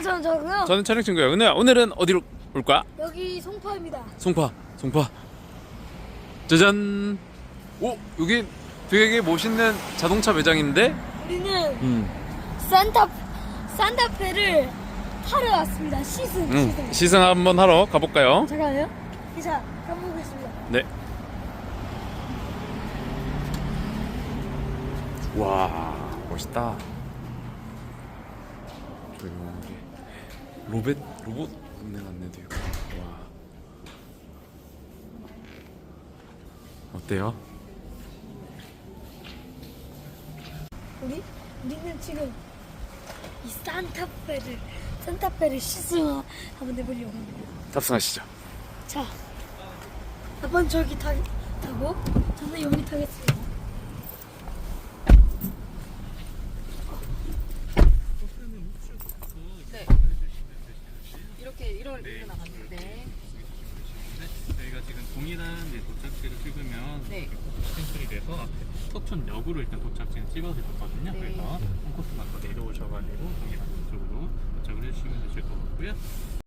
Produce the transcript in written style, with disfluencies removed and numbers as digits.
저는 저고요. 저는 촬영 친구예요. 은우야, 오늘은 어디로 올까? 여기 송파입니다. 송파. 짜잔. 오, 여기 되게 멋있는 자동차 매장인데? 우리는 산타페를 타러 왔습니다. 시승. 시승 한번 하러 가볼까요? 잠깐만요. 기사 가보겠습니다. 네. 와, 멋있다. 조용하게. 로봇 운행 안내도 있고. 와. 어때요? 우리는 지금 이 산타페를 시승 한번 해보려고 합니다. 탑승하시죠. 자, 아빠는 저기 타고 저는 여기 타겠습니다. 네. 이렇게 나갔는데. 저희가 지금 동일한 도착지를 찍으면 네. 캔슬이 돼서 앞에 서촌역으로 일단 도착지는 찍어서 줬거든요. 네. 그래서 한 코스 맞춰 내려오셔가지고 동일한 쪽으로 도착을 해주시면 되실 것 같고요.